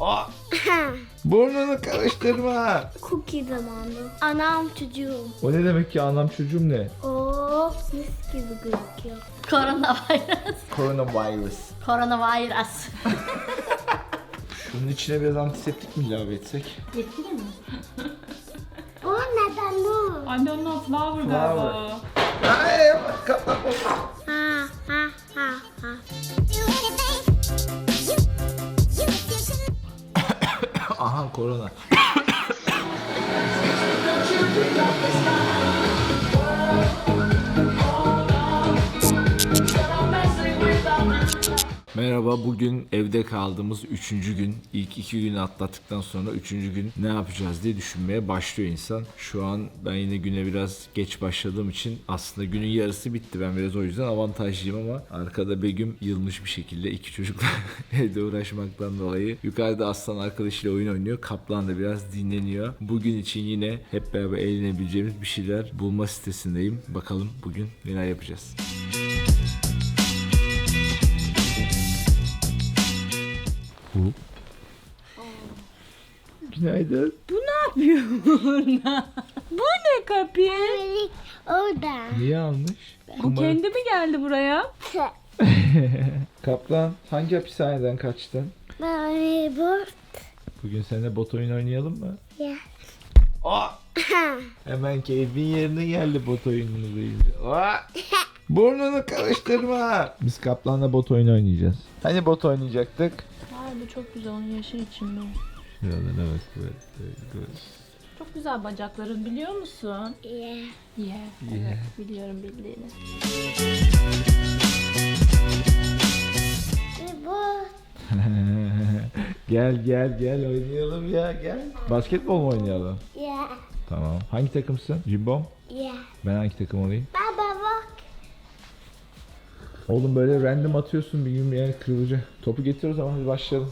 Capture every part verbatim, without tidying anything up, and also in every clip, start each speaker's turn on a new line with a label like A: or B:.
A: Aa, burnunu karıştırma.
B: Cookie zamanı. Anam çocuğum.
A: O ne demek ki anlam çocuğum ne?
B: Oo, mis gibi gözüküyor.
C: Koronavirüs.
A: Coronavirus.
C: Koronavirüs.
A: Şunun içine biraz antiseptik mi ilave etsek?
C: Yetkili mi?
B: O neden bu?
D: Anne onun flower
A: Flower.
D: galiba.
A: Ay, kapat.
B: Ha ha ha ha.
A: Aha korona. Merhaba, bugün evde kaldığımız üçüncü gün. İlk iki günü atlattıktan sonra üçüncü gün ne yapacağız diye düşünmeye başlıyor insan. Şu an ben yine güne biraz geç başladığım için aslında günün yarısı bitti. Ben biraz o yüzden avantajlıyım ama arkada Begüm yılmış bir şekilde iki çocukla evde uğraşmaktan dolayı. Yukarıda Aslan arkadaşıyla oyun oynuyor. Kaplan da biraz dinleniyor. Bugün için yine hep beraber eğlenebileceğimiz bir şeyler bulma sitesindeyim. Bakalım bugün neler yapacağız. Bu. Günaydın.
D: Bu ne yapıyor burada? Bu ne kapı?
B: Melek orada.
A: Niye almış?
D: Bu kendi mi geldi buraya?
A: Kaplan, hangi hapishaneden kaçtın?
B: Ben bu.
A: Bugün seninle bot oyun oynayalım mı?
B: Ya.
A: Aa! Hemen keyfin yerine geldi bot oyununu duyunca. Aa! Burnunu karıştırma. Biz Kaplan'la bot oyunu oynayacağız. Hani bot oynayacaktık?
D: Ay bu çok güzel, onun yaşı içinde.
A: Şuradan evet böyle, böyle.
D: Çok güzel bacakların, biliyor musun?
B: Ya.
D: Yeah.
A: Yeah.
D: Evet, biliyorum bildiğini.
B: Bu.
A: Gel gel gel oynayalım ya gel. Basketbol mu oynayalım?
B: Ya.
A: Tamam. Hangi takımsın? Cimbom?
B: Ya.
A: Ben hangi takım olayım?
B: Baba bak.
A: Oğlum böyle random atıyorsun bir gün bir yer kırılacak. Topu getir o zaman, hadi başlayalım.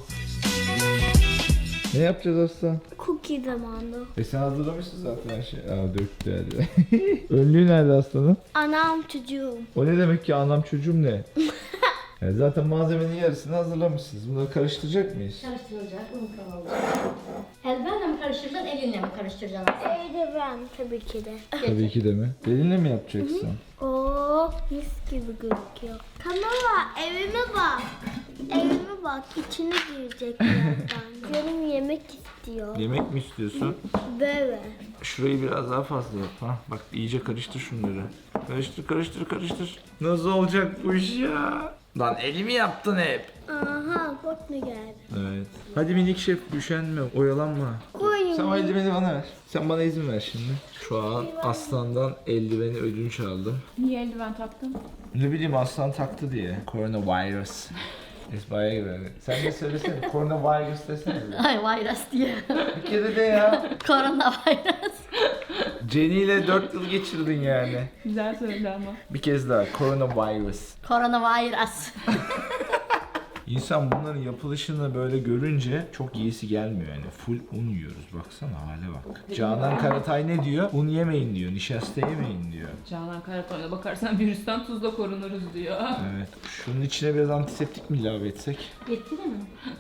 A: Ne yapacağız Aslan?
B: Cookie zamanı.
A: E sen hazırlamışsın zaten her şeyi. Aa döktü hadi. Önlüğü nerede Aslan'ın?
B: Anam çocuğum.
A: O ne demek ki anlam çocuğum ne? Yani zaten malzemenin yarısını hazırlamışsınız. Bunları karıştıracak mıyız?
C: Karıştırılacak, un kavrulacak. Elbenle mi karıştıracaksın, elinle mi karıştıracaksın?
B: Evde ben tabii ki de.
A: Tabii ki de mi? Elinle mi yapacaksın?
B: Oo, mis gibi gözüküyor. Kamera, evime bak. Evime bak, içine girecek birazdan. Canım yemek istiyor.
A: Yemek mi istiyorsun?
B: Böyle.
A: Şurayı biraz daha fazla yap. Ha, bak iyice karıştır şunları. Karıştır karıştır karıştır. Nasıl olacak bu iş ya? Lan elimi yaptın hep.
B: Aha, bak ne geldi.
A: Evet. Hadi minik şef, üşenme, oyalanma.
B: Koyun.
A: Sen o eldiveni bana ver. Sen bana izin ver şimdi. Şu an Aslan'dan eldiveni ödünç aldım.
D: Niye eldiven taktın?
A: Ne bileyim Aslan taktı diye. Coronavirus. Esma'ya gibi. Sen de söylesene. Coronavirus desene.
C: Ay virüs diye.
A: Bir kere de ya.
C: Koronavirüs.
A: Jenny ile dört yıl geçirdin yani.
D: Güzel söyledi ama.
A: Bir kez daha. Coronavirus.
C: Koronavirüs.
A: İnsan bunların yapılışını böyle görünce çok yiyesi gelmiyor yani. Full un yiyoruz. Baksana hale bak. Canan Karatay ne diyor? Un yemeyin diyor. Nişasta yemeyin diyor.
D: Canan Karatoy'la bakarsan virüsten tuzla korunuruz diyor.
A: Evet. Şunun içine biraz antiseptik mi ilave etsek?
C: Yetkili mi?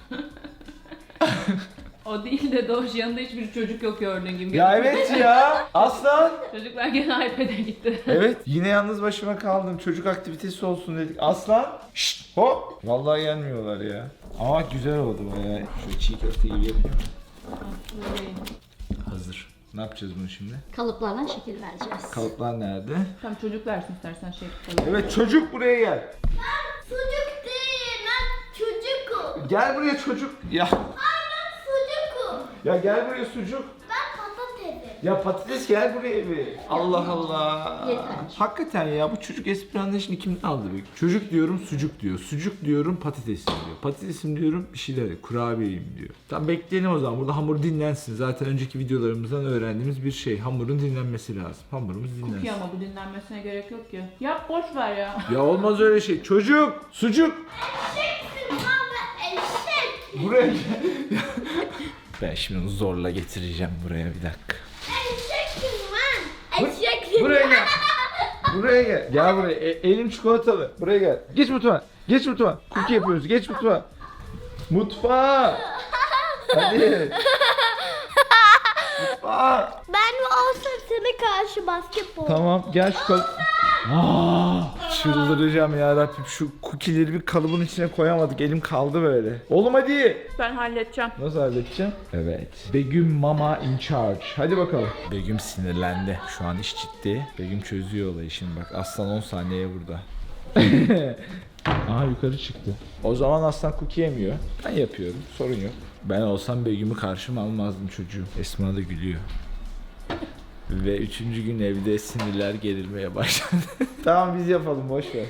D: O değil de Doğuş, yanında hiçbir çocuk yok gördüğün gibi.
A: Ya evet ya. Aslan.
D: Çocuklar gene iPad'e gitti.
A: Evet. Yine yalnız başıma kaldım. Çocuk aktivitesi olsun dedik. Aslan. Şşt hop. Vallahi gelmiyorlar ya. Ama güzel oldu bayağı. Şöyle çiğ köfte gibi yapayım.
D: Böyle.
A: Hazır. Ne yapacağız bunu şimdi?
C: Kalıplarla şekil vereceğiz.
A: Kalıplar nerede?
D: Tamam, çocuk versin istersen şey tutalım.
A: Evet çocuk buraya gel.
B: Çocuk değil, ben çocukum.
A: Gel buraya çocuk. Ya.
B: Ay ben çocukum.
A: Ya gel buraya sucuk.
B: Ben patatesim.
A: Ya patates gel buraya bir. Allah Allah.
C: Yeter.
A: Hakikaten ya bu çocuk espri anlayışını kimden aldı be? Çocuk diyorum sucuk diyor. Sucuk diyorum patatesim diyor. Patatesim diyorum bir şeyler kurabiyeyim diyor. Tamam bekleyelim o zaman. Burada hamur dinlensin. Zaten önceki videolarımızdan öğrendiğimiz bir şey. Hamurun dinlenmesi lazım. Hamurumuz dinlensin.
D: Cookie ama bu dinlenmesine gerek yok ki. Yap, boş ver ya.
A: Ya olmaz öyle şey. Çocuk, sucuk.
B: Eşeksin baba, eşek.
A: Buraya gel. Ben şimdi onu zorla getireceğim buraya bir dakika.
B: Eşeksin lan. Eşeksin.
A: Buraya gel. Buraya gel. Gel buraya. E- elim çikolatalı. Buraya gel. Geç mutfağa. Geç mutfağa. Cookie yapıyoruz. Geç mutfağa. Mutfağa. Hadi. Aa,
B: Ben mi olsam sana karşı basketbol.
A: tamam gel şu kalıp. Aa, çıldıracağım ya Rabbim, şu cookie'leri bir kalıbın içine koyamadık, elim kaldı böyle. Oğlum hadi.
D: Ben halledeceğim.
A: Nasıl halledeceğim? Evet. Begüm mama in charge. Hadi bakalım. Begüm sinirlendi. Şu an iş ciddi. Begüm çözüyor olayı şimdi bak. Aslan on saniyeye burada. Aha yukarı çıktı. O zaman aslan cookie yemiyor. Ben yapıyorum. Sorun yok. Ben olsam Begüm'ü karşıma almazdım çocuğum. Esma da gülüyor. Ve üçüncü gün evde sinirler gerilmeye başladı. Tamam biz yapalım, boş ver.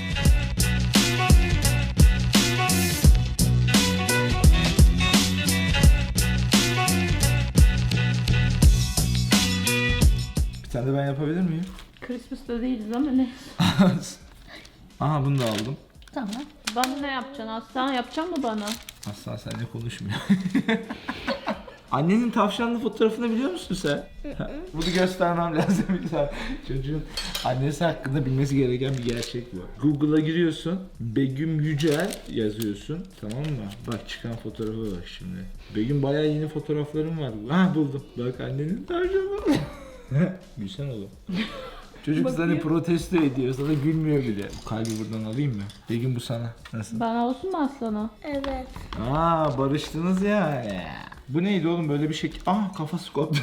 A: Bir tane de ben yapabilir miyim?
D: Christmas'ta değiliz ama ne?
A: Aha bunu da aldım.
D: Tamam. Bana ne yapacaksın Aslan? Yapacak mı bana?
A: Aslan seninle konuşmuyor. Annenin tavşanlı fotoğrafını biliyor musun sen? Bunu göstermem lazım bir tane. Çocuğun annesi hakkında bilmesi gereken bir gerçek bu. Google'a giriyorsun. Begüm Yücel yazıyorsun. Tamam mı? Bak çıkan fotoğrafa bak şimdi. Begüm bayağı yeni fotoğraflarım var. Ha buldum. Bak annenin tavşanı. Gülsen oğlum. Çocuk seni protesto ediyor. Sana gülmüyor bile. Bu kalbi buradan alayım mı? Begüm bu sana. Nasıl?
D: Bana olsun mu Aslan'a?
B: Evet.
A: Aa barıştınız ya. Bu neydi oğlum böyle bir şekil? Ah kafası koptu.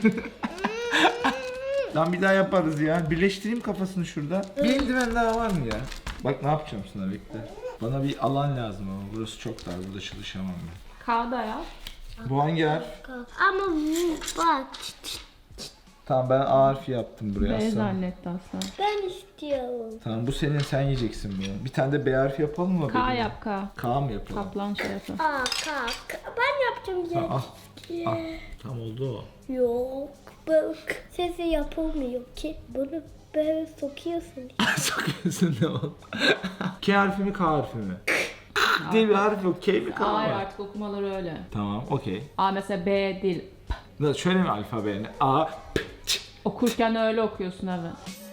A: Lan bir daha yaparız ya. Birleştireyim kafasını şurada. Bir eldiven daha var mı ya? Bak ne yapacağım sana, bekle. Bana bir alan lazım ama burası çok dar. Burada çalışamam ben.
D: Kağıda yap.
A: Bu hangi harf?
B: Ama bu bak.
A: Tamam ben A harfi yaptım buraya
D: B
A: aslında.
D: zannetti Aslan.
B: Ben istiyorum.
A: Tamam bu senin, sen yiyeceksin bunu. Bir tane de B harfi yapalım mı?
D: K
A: benim?
D: yap K.
A: K mı yapalım?
D: Kaplan şey yapın.
B: Aa kalk. Ben yapacağım
A: Tamam,
B: ya.
A: al. Al. Tam oldu o.
B: Yok. Bak. Sesi yapılmıyor ki. Bunu böyle sokuyorsun.
A: Sokuyorsun ne oldu? K harfi mi K harfi mi? diye bir harf yok. K mi K mı?
D: Hayır artık okumaları öyle.
A: Tamam okey.
D: A mesela B değil.
A: Da şöyle mi alfabenin? A, P, Ç.
D: Okurken öyle okuyorsun evet.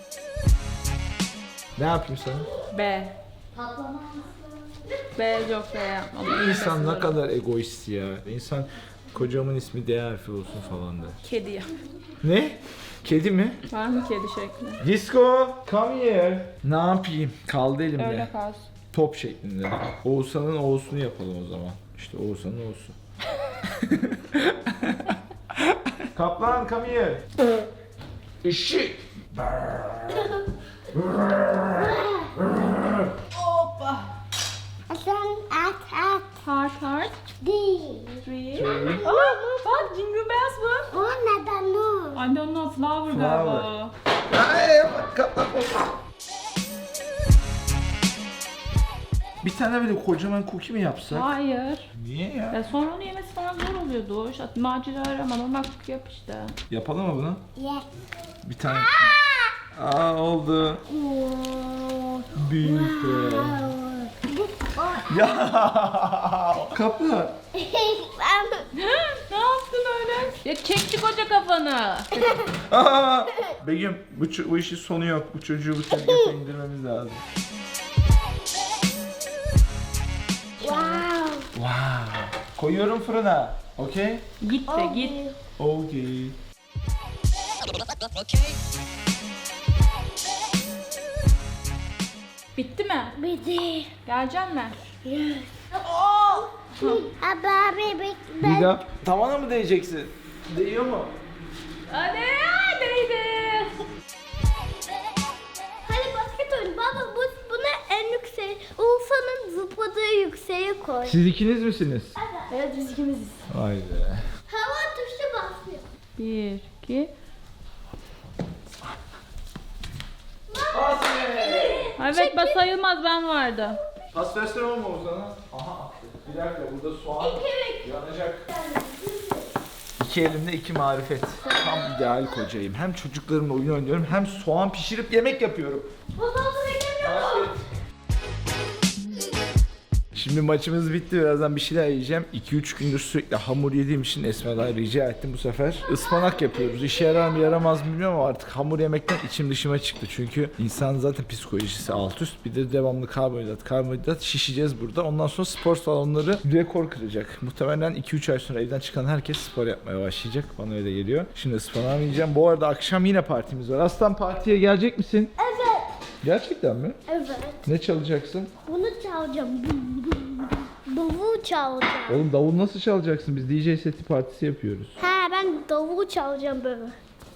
A: Ne yapayım sana?
D: B. B yok B yapmadım.
A: İnsan ne kadar egoist ya. İnsan kocamın ismi D harfi olsun falan der.
D: Kedi yap.
A: Ne? Kedi mi?
D: Var mı kedi şekli?
A: Disco, come here. Ne yapayım? Kaldı elimde.
D: Öyle kalsın.
A: Top şeklinde. Oğuzhan'ın Oğuz'unu yapalım o zaman. İşte Oğuzhan'ın Oğuz'u. Kaplan, come here. Işık.
D: Hoppa.
B: Sen at at
D: Heart heart.
B: değil.
D: Three. Aa, bak Jingle Bells bu.
B: O neden o?
D: Anne onun flower
A: Flower.
D: galiba.
A: Ay, kaplan. Bir tane böyle kocaman cookie mi yapsak?
D: Hayır.
A: Niye ya?
D: Ya sonra onu yemesi falan zor oluyordu. İşte macera arama normal cookie yap işte.
A: Yapalım mı bunu?
B: Yes.
A: Bir tane. Aa oldu. Büyük be. Ya kaplan.
B: Ben
D: Ne yaptın öyle? Ya çekti koca kafanı.
A: Aa! Begüm bu, ço- bu işin sonu yok. Bu çocuğu bu tezgaha indirmemiz lazım.
B: wow.
A: Wow. Koyuyorum fırına. Okey?
D: Git de git.
A: Okey.
D: Bitti mi?
B: Bizi.
D: Gelecek mi?
B: Abi bebek
A: Bir
B: ben.
A: daha tavana mı değeceksin? Değiyor mu?
D: Hadi değdi.
B: Hadi basket oyun. Baba bu buna en yüksek. Urfa'nın zıpladığı yükseğe koy.
A: Siz ikiniz misiniz?
B: Evet biz ikimiziz.
A: Vay be.
B: Hava tuşu basmıyor.
D: Bir, iki. Evet ben sayılmaz ben vardı.
A: Pas versene olma o sana. Aha attı. Bir dakika burada soğan yanacak. İki elimde iki marifet. Tam ideal kocayım. Hem çocuklarımla oyun oynuyorum hem soğan pişirip yemek yapıyorum.
B: Babamı beklemiyorum.
A: Şimdi maçımız bitti. Birazdan bir şeyler yiyeceğim. iki üç gündür sürekli hamur yediğim için Esma'dan rica ettim bu sefer. Ispanak yapıyoruz. İşe yarar mı yaramaz mı bilmiyorum ama artık hamur yemekten içim dışıma çıktı. Çünkü insan zaten psikolojisi alt üst. Bir de devamlı karbonhidrat, karbonhidrat şişeceğiz burada. Ondan sonra spor salonları rekor kıracak. Muhtemelen iki üç ay sonra evden çıkan herkes spor yapmaya başlayacak. Bana öyle geliyor. Şimdi ıspanak yiyeceğim. Bu arada akşam yine partimiz var. Aslan partiye gelecek misin?
B: Evet.
A: Gerçekten mi?
B: Evet.
A: Ne çalacaksın?
B: Bunu çalacağım. Davul çalacağım.
A: Oğlum davul nasıl çalacaksın? Biz D J seti partisi yapıyoruz.
B: He ben davul çalacağım böyle.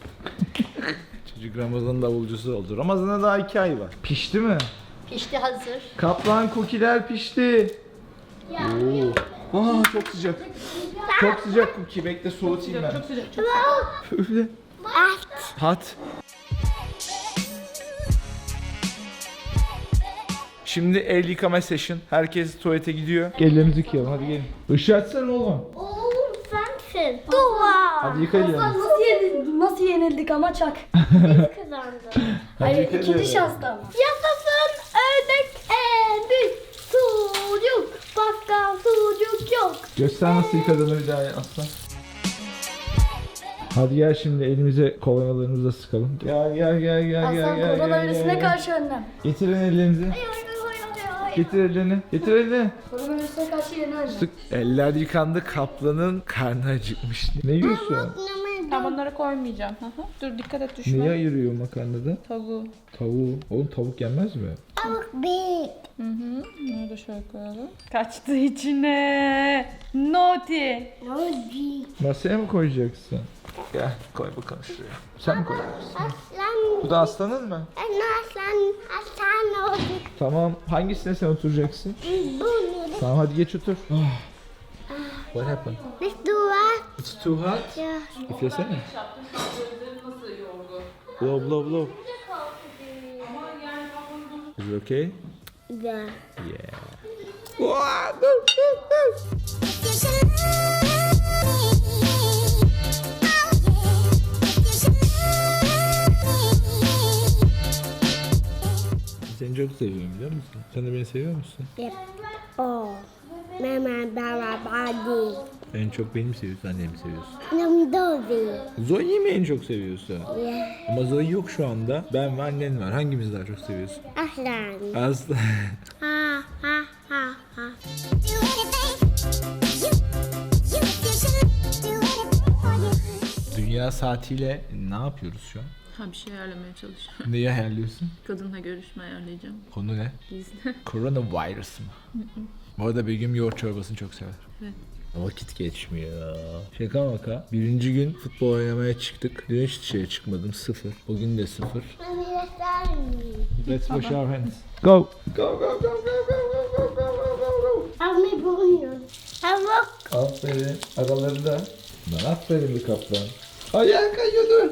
A: Çocuk Ramazan davulcusu oldu. Ramazan'a daha iki ay var. Pişti mi?
C: Pişti hazır.
A: Kaplan kukiler pişti.
B: Ya.
A: Oo. Aa çok sıcak. Çok sıcak kuki. Bekle soğutayım ben.
C: Çok sıcak. Çok
A: Öyle.
B: At.
A: Hat. Şimdi el yıkama session. Herkes tuvalete gidiyor. Ellerimizi yıkayalım. Hadi gelin. Işığı açsana oğlum.
B: Oğlum sensin. Dua.
A: Hadi yıka ellerini.
C: Nasıl yenildik, nasıl yenildik ama çak.
B: Biz kazandık.
A: Hadi yıka
C: İkinci
A: ellerini.
C: şansta ama.
B: Yaşasın ördek en büyük sucuk. Başka sucuk yok.
A: Göster nasıl yıkadığını bir daha aslan. Hadi gel şimdi elimize kolonyalarımızla sıkalım. Gel gel gel gel gel
C: Aslan
A: gel.
C: koronavirüsüne
A: gel.
C: karşı önlem.
A: Getirin ellerinizi. Getir ellerini. Getir elini.
C: Koronavirüsüne karşı yeni önlem.
A: Sık. Eller yıkandı. Kaplanın karnı acıkmış. Ne yiyorsun?
D: Ben bunları koymayacağım. Hı hı. Dur dikkat et düşme.
A: Neyi ayırıyor makarnada?
D: Tavuğu.
A: Tavuğu. Oğlum tavuk yenmez mi?
B: Tavuk büyük.
D: Hı hı. Bunu da şöyle koyalım. Kaçtı içine. Naughty.
B: Tavuk.
A: Masaya mı koyacaksın? Gel koy bakalım şuraya. Sen mi koyacaksın?
B: Aslan.
A: Bu da aslanın mı?
B: Ben aslan. Aslan olduk.
A: Tamam. Hangisine sen oturacaksın?
B: Bunu.
A: Tamam hadi geç otur. What happened?
B: Biz dua.
A: It's too hot.
B: Ya.
A: Üflesene. Blow blow blow. Is it okay?
B: Ya.
A: Yeah. Wow, dur, dur, dur. Seni çok seviyorum biliyor musun? Sen de beni seviyor musun?
B: Yep. Oh. Mama baba body.
A: En çok beni mi seviyorsun, annemi mi seviyorsun?
B: Nam dovi.
A: Zoe'yi mi en çok seviyorsun?
B: Yeah.
A: Ama Zoe yok şu anda. Ben ve annen var. Hangimizi daha çok seviyorsun?
B: Aslan.
A: Aslı.
B: Ha ha ha ha.
A: Dünya saatiyle ne yapıyoruz şu an?
D: Ha bir şey ayarlamaya çalışıyorum.
A: Neyi ayarlıyorsun?
D: Kadınla görüşme ayarlayacağım.
A: Konu ne?
D: Gizli.
A: Coronavirus mı? Bu arada Begüm yoğurt çorbasını çok sever.
D: Evet.
A: Vakit geçmiyor. Şaka maka. Birinci gün futbol oynamaya çıktık. Dün hiç dışarı çıkmadım. Sıfır. Bugün de sıfır.
B: Mami aslan.
A: Let's wash our hands. Go. Go go go go go go go go go go.
B: Mami bunu. Tavuk.
A: Aferin. Aralarında. Lan aferin bir kaplan. Ayağın kayıyordu.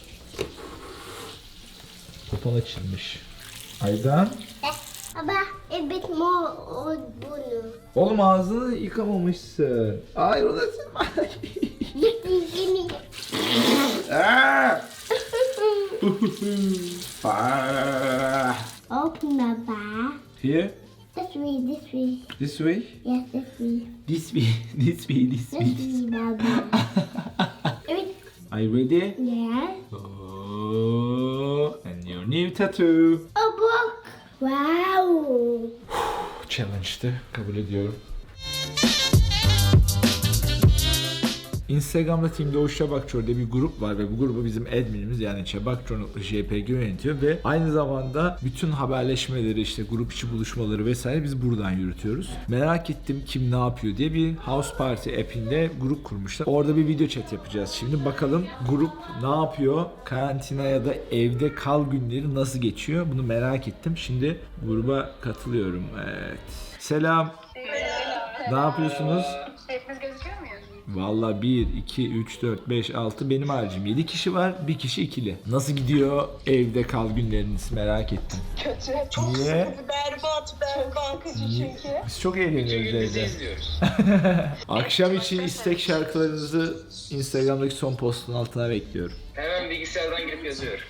A: Kupon açılmış. Aydan.
B: Baba, a bit more on bunu.
A: Oğlum ağzını yıkamamışsın. Hayır o da sen.
B: Gini.
A: Ah! Ah!
B: Open baba.
A: Here.
B: This way, this way.
A: This way.
B: Yes, this way.
A: This way. This way. This way.
B: This way, baba. Evet.
A: Are you ready?
B: Yes.
A: Oh, and your new tattoo.
B: A book. Wow.
A: Challenge'dı. Kabul ediyorum. Instagram'da Team Doğuş Çabakçor diye bir grup var ve bu grubu bizim adminimiz yani Çabakçor.jpg yönetiyor ve aynı zamanda bütün haberleşmeleri işte grup içi buluşmaları vesaire biz buradan yürütüyoruz. Merak ettim kim ne yapıyor diye bir House Party app'inde grup kurmuşlar. Orada bir video chat yapacağız. Şimdi bakalım grup ne yapıyor? Karantina ya da evde kal günleri nasıl geçiyor? Bunu merak ettim. Şimdi gruba katılıyorum. Evet. Selam. Ne yapıyorsunuz?
E: Hepimiz gözüküyor muyuz?
A: Valla bir, iki, üç, dört, beş, altı benim haricim. yedi kişi var, bir kişi ikili. Nasıl gidiyor evde kal günleriniz merak ettim.
E: Kötü. Çok
A: Niye?
E: sıkıntı. Berbat, berbat. Çok çünkü.
A: Biz çok eğleniyoruz evde. Akşam için istek şarkılarınızı Instagram'daki son postun altına bekliyorum.
F: Hemen bilgisayardan girip yazıyorum.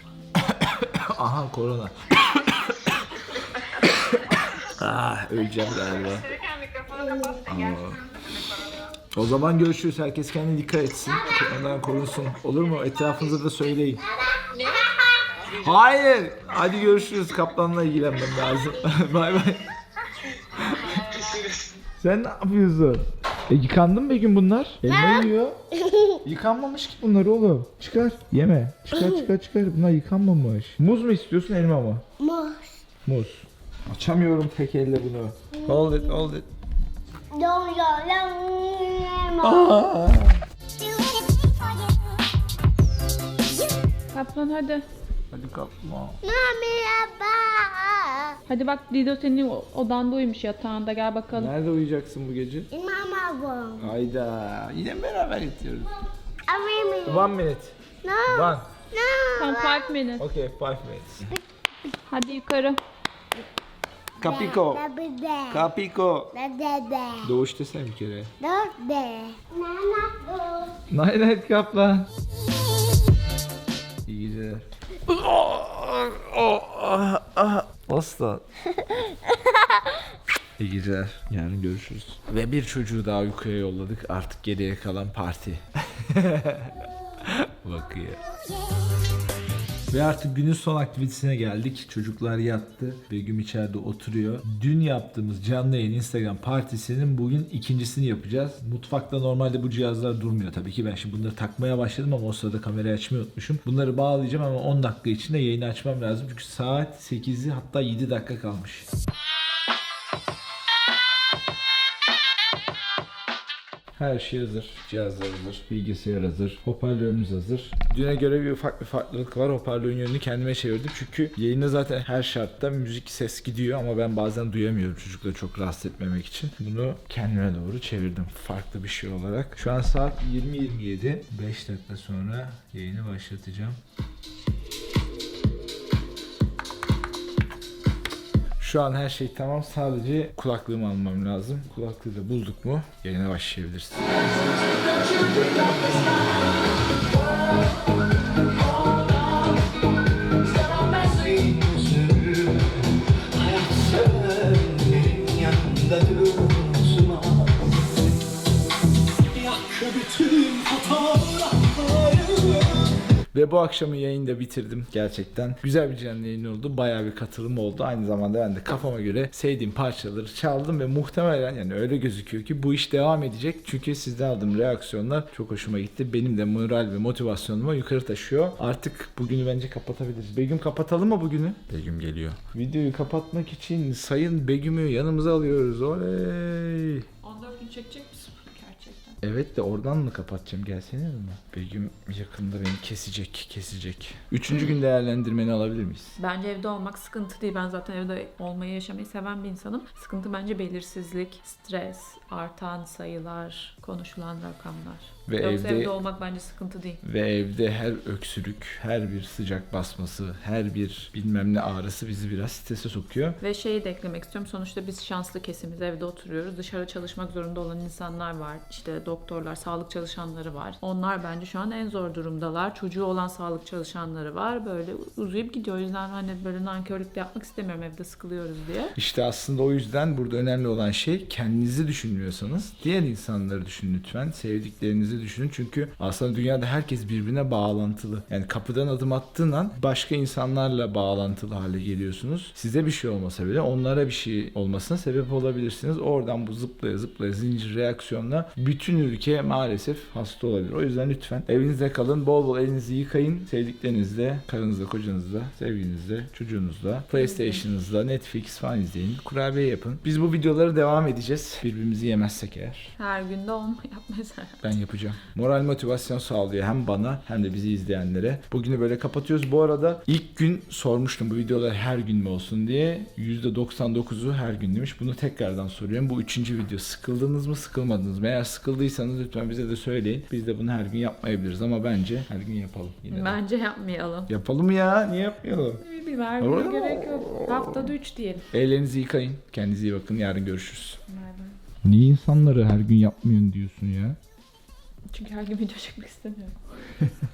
A: Aha korona. Ah öleceğim galiba.
E: Kendi
A: O zaman görüşürüz. Herkes kendine dikkat etsin. Ondan korunsun. Olur mu? Etrafınıza da söyleyin. Hayır. Hadi görüşürüz. Kaplanla ilgilenmem lazım. Bay bay. Sen ne yapıyorsun? E yıkandın mı Begüm bunlar? Elma yiyor. Yıkanmamış ki bunlar oğlum. Çıkar. Yeme. Çıkar çıkar çıkar. Bunlar yıkanmamış. Muz mu istiyorsun elma mı?
B: Muz.
A: Muz. Açamıyorum tek elle bunu. Hold it, hold it.
B: Don't you
A: Aa.
D: Kaplan hadi.
A: Hadi kaplan.
B: Merhaba.
D: Hadi bak Dido senin o- odanda uyumuş yatağında, gel bakalım.
A: Nerede uyuyacaksın bu gece?
B: Mama.
A: Hayda. Yine beraber yatıyoruz.
B: Army.
A: One minute.
B: No.
A: One.
B: No.
D: Tam five minutes.
A: Okay, five minutes.
D: Hadi yukarı.
A: Kapiko.
B: Bebe.
A: Kapiko.
B: Bebe.
A: Doğuş desene bir kere.
B: Dört be. Nana bu.
A: Night night kaplan. İyi geceler. Aslan. İyi geceler. Yarın görüşürüz. Ve bir çocuğu daha uykuya yolladık. Artık geriye kalan parti. Bakıyor. Ve artık günün son aktivitesine geldik. Çocuklar yattı. Begüm içeride oturuyor. Dün yaptığımız canlı yayın Instagram partisinin bugün ikincisini yapacağız. Mutfakta normalde bu cihazlar durmuyor tabii ki. Ben şimdi bunları takmaya başladım ama o sırada kamerayı açmayı unutmuşum. Bunları bağlayacağım ama on dakika içinde yayını açmam lazım. Çünkü saat sekizi hatta yedi dakika kalmış. Her şey hazır. Cihazlar hazır. Bilgisayar hazır. Hoparlörümüz hazır. Düne göre bir ufak bir farklılık var. Hoparlörün yönünü kendime çevirdim. Çünkü yayında zaten her şartta müzik ses gidiyor ama ben bazen duyamıyorum çocukları çok rahatsız etmemek için. Bunu kendime doğru çevirdim. Farklı bir şey olarak. Şu an saat yirmi yirmi yedi. beş dakika sonra yayını başlatacağım. Şu an her şey tamam. Sadece kulaklığımı almam lazım. Kulaklığı da bulduk mu yayına başlayabiliriz. Ve bu akşamı yayında bitirdim gerçekten. Güzel bir canlı yayın oldu. Bayağı bir katılım oldu. Aynı zamanda ben de kafama göre sevdiğim parçaları çaldım ve muhtemelen yani öyle gözüküyor ki bu iş devam edecek. Çünkü sizden aldığım reaksiyonlar çok hoşuma gitti. Benim de moral ve motivasyonumu yukarı taşıyor. Artık bugünü bence kapatabiliriz. Begüm kapatalım mı bugünü? Begüm geliyor. Videoyu kapatmak için Sayın Begüm'ü yanımıza alıyoruz. Oley!
D: on dört gün çekecek misin gerçekten?
A: Evet de oradan mı kapatacağım? Gelsene yanıma. Begüm yakında beni kesecek, kesecek. Üçüncü gün değerlendirmeni alabilir miyiz?
D: Bence evde olmak sıkıntı değil. Ben zaten evde olmayı, yaşamayı seven bir insanım. Sıkıntı bence belirsizlik, stres, artan sayılar, konuşulan rakamlar.
A: Ve
D: Yoksa
A: evde-
D: evde olmak bence sıkıntı değil.
A: Ve evde her öksürük, her bir sıcak basması, her bir bilmem ne ağrısı bizi biraz strese sokuyor.
D: Ve şeyi de eklemek istiyorum. Sonuçta biz şanslı kesimiz, evde oturuyoruz. Dışarı çalışmak zorunda olan insanlar var. İşte doktorlar, sağlık çalışanları var. Onlar bence şu an en zor durumdalar. Çocuğu olan sağlık çalışanları var. Böyle uzayıp gidiyor. O yüzden hani böyle nankörlük de yapmak istemiyorum, evde sıkılıyoruz diye.
A: İşte aslında o yüzden burada önemli olan şey kendinizi düşünmüyorsanız diğer insanları düşünün lütfen. Sevdiklerinizi düşünün. Çünkü aslında dünyada herkes birbirine bağlantılı. Yani kapıdan adım attığın an başka insanlarla bağlantılı hale geliyorsunuz. Size bir şey olmasa bile onlara bir şey olmasına sebep olabilirsiniz. Oradan bu zıplaya zıplaya zincir reaksiyonla bütün ülke maalesef hasta olabilir. O yüzden lütfen evinizde kalın. Bol bol elinizi yıkayın. Sevdiklerinizle, karınızla, kocanızla, sevgilinizle, çocuğunuzla, PlayStation'ınızla, Netflix falan izleyin. Kurabiye yapın. Biz bu videoları devam edeceğiz. Birbirimizi yemezsek eğer.
D: Her günde olma yapmayız herhalde.
A: Ben yapacağım. Moral motivasyon sağlıyor hem bana hem de bizi izleyenlere. Bugünü böyle kapatıyoruz. Bu arada ilk gün sormuştum bu videolar her gün mü olsun diye. yüzde doksan dokuzu her gün demiş. Bunu tekrardan soruyorum. Bu üçüncü video. Sıkıldınız mı, sıkılmadınız mı? Eğer sıkıldıysanız lütfen bize de söyleyin. Biz de bunu her gün yapmayabiliriz ama bence her gün yapalım. Yine de.
D: Bence yapmayalım.
A: Yapalım ya. Niye yapmayalım?
D: Bir her güne gerek yok. Haftada üç diyelim.
A: Ellerinizi yıkayın. Kendinize iyi bakın. Yarın görüşürüz.
D: Bay bay.
A: Niye insanları her gün yapmıyorsun diyorsun ya?
D: Çünkü her gün video çekmek istemiyorum.